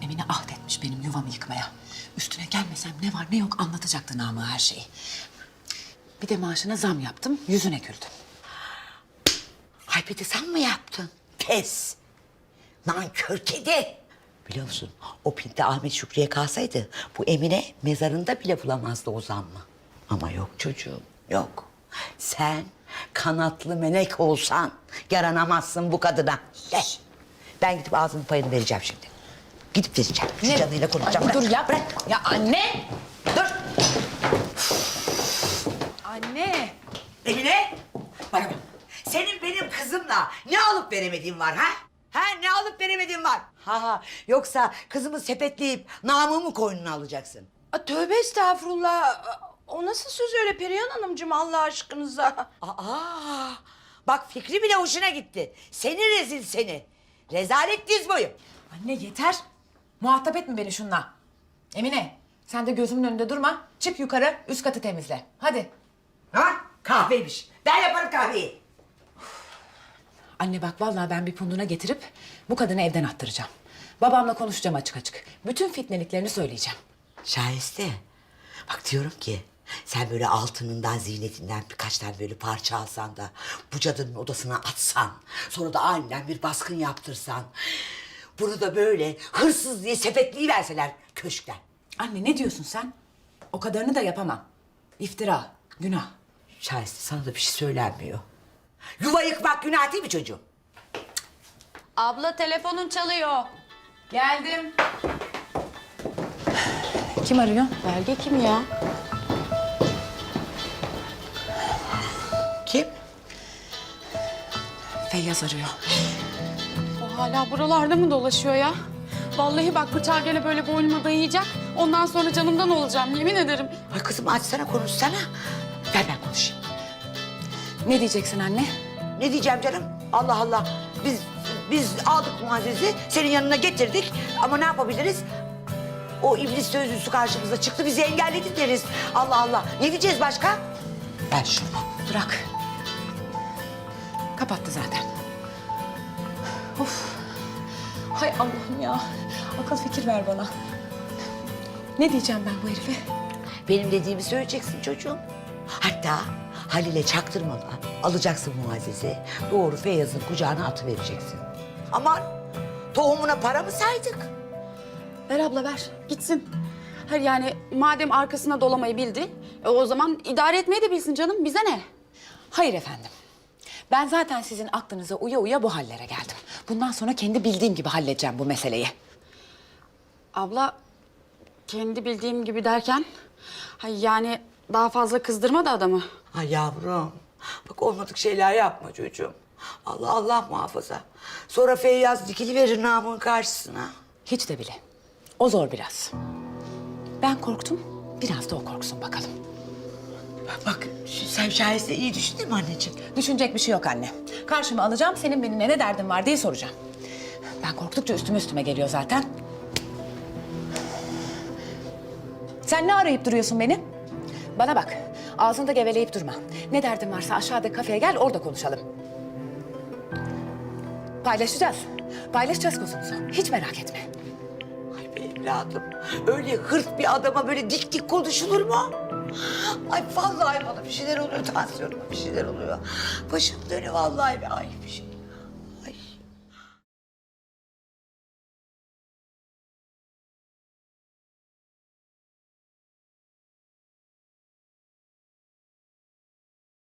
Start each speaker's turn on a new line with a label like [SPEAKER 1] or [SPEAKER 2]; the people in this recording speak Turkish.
[SPEAKER 1] Emine ahdetmiş benim yuvamı yıkmaya. Üstüne gelmesem ne var ne yok anlatacaktı Namık'a her şeyi. Bir de maaşına zam yaptım, yüzüne güldüm.
[SPEAKER 2] Ay bir de sen mi yaptın? Pes. Nankör kedi. Biliyor musun o pinti Ahmet Şükrü'ye kalsaydı bu Emine mezarında bile bulamazdı o zammı. Ama yok çocuğum yok. Sen kanatlı melek olsan yaranamazsın bu kadına. De. Ben gidip ağzının payını vereceğim şimdi. Gidip vereceğim. Şu canıyla konuşacağım.
[SPEAKER 1] Ay,
[SPEAKER 2] Bırak,
[SPEAKER 1] dur ya.
[SPEAKER 2] bırak.
[SPEAKER 1] Ya anne.
[SPEAKER 2] Dur.
[SPEAKER 1] Anne.
[SPEAKER 2] Emine. Bana bak. Senin benim kızımla ne alıp veremediğin var ha? Ha ne alıp veremediğin var? Ha yoksa kızımı sepetleyip namımı koynuna alacaksın.
[SPEAKER 3] Tövbe estağfurullah. O nasıl söz öyle Perihan Hanımcığım Allah aşkınıza?
[SPEAKER 2] Aa, bak Fikri bile hoşuna gitti. Seni rezil seni. Rezalet diz boyu.
[SPEAKER 1] Anne yeter. Muhatap etme beni şunla. Emine sen de gözümün önünde durma. Çık yukarı üst katı temizle. Hadi.
[SPEAKER 2] Ha kahveymiş. Ben yaparım kahveyi.
[SPEAKER 1] Anne bak vallahi ben bir punduna getirip bu kadını evden attıracağım. Babamla konuşacağım açık açık. Bütün fitneliklerini söyleyeceğim.
[SPEAKER 2] Şahiste. Bak diyorum ki sen böyle altınından, ziynetinden birkaç tane böyle parça alsan da bu cadının odasına atsan, sonra da aniden bir baskın yaptırsan, bunu da böyle hırsız diye sepetleyiverseler köşkten.
[SPEAKER 1] Anne ne diyorsun sen? O kadarını da yapamam. İftira, günah.
[SPEAKER 2] Şahiste sana da bir şey söylenmiyor. Yuva yıkmak günah değil mi çocuğum?
[SPEAKER 3] Abla telefonun çalıyor.
[SPEAKER 1] Geldim. Kim arıyor?
[SPEAKER 3] Belge kim ya?
[SPEAKER 2] Kim?
[SPEAKER 1] Feyyaz arıyor.
[SPEAKER 3] O hala buralarda mı dolaşıyor ya? Vallahi bak bıçağı gene böyle boynuma dayayacak. Ondan sonra canımdan olacağım yemin ederim.
[SPEAKER 2] Ay kızım açsana konuşsana. Ver ben konuşayım.
[SPEAKER 1] Ne diyeceksin anne?
[SPEAKER 2] Ne diyeceğim canım? Allah Allah. Biz aldık Muazzez'i senin yanına getirdik. Ama ne yapabiliriz? O iblis sözlüsü karşımıza çıktı bizi engelledi deriz. Allah Allah. Ne diyeceğiz başka? Ver şunu.
[SPEAKER 1] Bırak. Kapattı zaten. Of. Hay Allah'ım ya. Akıl fikir ver bana. Ne diyeceğim ben bu herife?
[SPEAKER 2] Benim dediğimi söyleyeceksin çocuğum. Hatta Halil'e çaktırmadan alacaksın Muazzez'i. Doğru Feyyaz'ın kucağına atıvereceksin. Aman tohumuna para mı saydık?
[SPEAKER 3] Ver abla ver gitsin. Hayır yani madem arkasına dolamayı bildi... o zaman idare etmeyi de bilsin canım bize ne?
[SPEAKER 1] Hayır efendim. Ben zaten sizin aklınıza uya uya bu hallere geldim. Bundan sonra kendi bildiğim gibi halledeceğim bu meseleyi.
[SPEAKER 3] Abla kendi bildiğim gibi derken... Hayır yani daha fazla kızdırma da adamı.
[SPEAKER 2] Ay yavrum. Bak olmadık şeyler yapma çocuğum. Allah Allah muhafaza. Sonra Feyyaz dikiliverir namın karşısına.
[SPEAKER 1] Hiç de bile. O zor biraz. Ben korktum, biraz da o korksun bakalım.
[SPEAKER 2] Bak sen şahesinde iyi düşündün mü anneciğim?
[SPEAKER 1] Düşünecek bir şey yok anne. Karşıma alacağım, senin benimle ne derdin var diye soracağım. Ben korktukça üstüme geliyor zaten. Sen ne arayıp duruyorsun beni? Bana bak, ağzında geveleyip durma. Ne derdin varsa aşağıda kafeye gel, orada konuşalım. Paylaşacağız. Paylaşacağız kuzumuzu. Hiç merak etme.
[SPEAKER 2] Ay be evladım. Öyle hırt bir adama böyle dik dik konuşulur mu? Ay vallahi bana bir şeyler oluyor. Tansiyonuma bir şeyler oluyor. Başım dönüyor vallahi be. Ay bir şey.